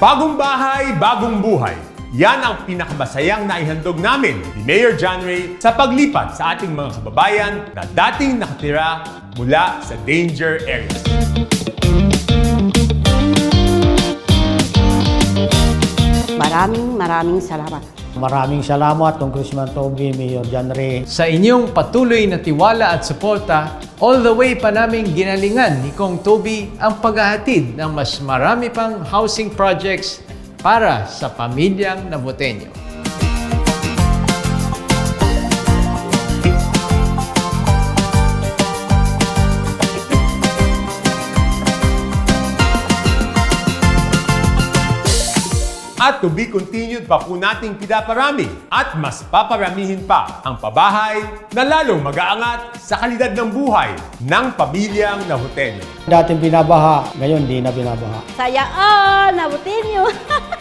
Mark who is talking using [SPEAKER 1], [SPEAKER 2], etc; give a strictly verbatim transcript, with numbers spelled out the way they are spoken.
[SPEAKER 1] Bagong bahay, bagong buhay. Yan ang pinakamasayang naihandog namin ni Mayor John Ray sa paglipat sa ating mga kababayan na dating nakatira mula sa danger areas.
[SPEAKER 2] Maraming maraming salamat.
[SPEAKER 3] Maraming salamat, Congressman Toby, Mayor John Ray.
[SPEAKER 4] Sa inyong patuloy na tiwala at suporta, all the way pa naming ginalingan ni Kong Toby ang paghahatid ng mas marami pang housing projects para sa pamilyang Navoteño.
[SPEAKER 1] At to be continued pa po nating pinaparami at mas paparamihin pa ang pabahay na lalong mag-aangat sa kalidad ng buhay ng pamilyang Navoteño.
[SPEAKER 3] Dating binabaha, ngayon di na binabaha.
[SPEAKER 2] Saya all, Navoteño!